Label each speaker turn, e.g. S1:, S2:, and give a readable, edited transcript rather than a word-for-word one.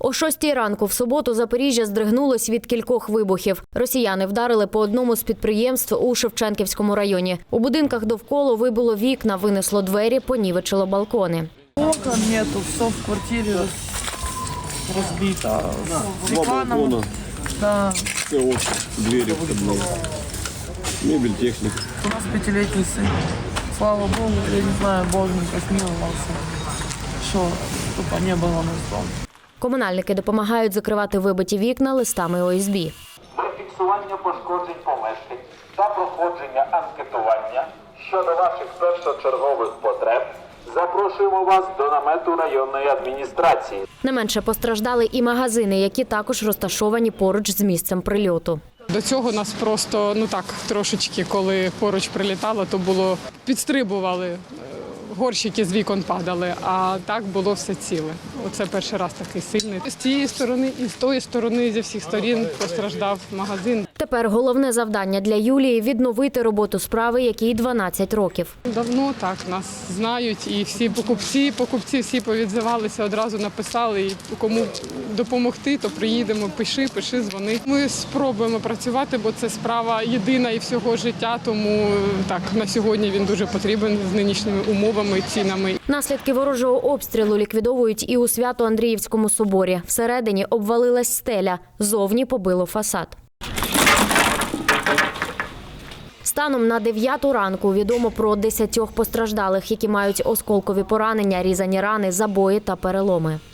S1: О 6 ранку в суботу Запоріжжя здригнулось від кількох вибухів. Росіяни вдарили по одному з підприємств у Шевченківському районі. У будинках довкола вибило вікна, винесло двері, понівечило балкони.
S2: Окон нету, все в квартирі розбито. Стеклянным, да.
S3: Все вот двери входные. Мебель, техника.
S2: У нас 5-летний сын. Слава Богу, я не знаю, Боженька смиловался, що тупо не було нас дома.
S1: Комунальники допомагають закривати вибиті вікна листами ОСБ.
S4: Для фіксування пошкоджень помешкань та проходження анкетування щодо ваших першочергових потреб запрошуємо вас до намету районної адміністрації.
S1: Не менше постраждали і магазини, які також розташовані поруч з місцем прильоту.
S5: До цього нас просто, трошечки, коли поруч прилітало, то було, підстрибували, горщики з вікон падали, а так було все ціле. Оце перший раз такий сильний. З цієї сторони і з тої сторони, зі всіх сторін постраждав магазин.
S1: Тепер головне завдання для Юлії – відновити роботу справи, якій 12 років.
S5: Давно так, нас знають і всі покупці всі повідзивалися, одразу написали, і кому допомогти, то приїдемо, пиши, дзвони. Ми спробуємо працювати, бо це справа єдина і всього життя, тому так, на сьогодні він дуже потрібен з нинішніми умовами і цінами.
S1: Наслідки ворожого обстрілу ліквідовують і у Свято-Андріївському соборі. Всередині обвалилась стеля, зовні побило фасад. Станом на 9 ранку відомо про 10 постраждалих, які мають осколкові поранення, різані рани, забої та переломи.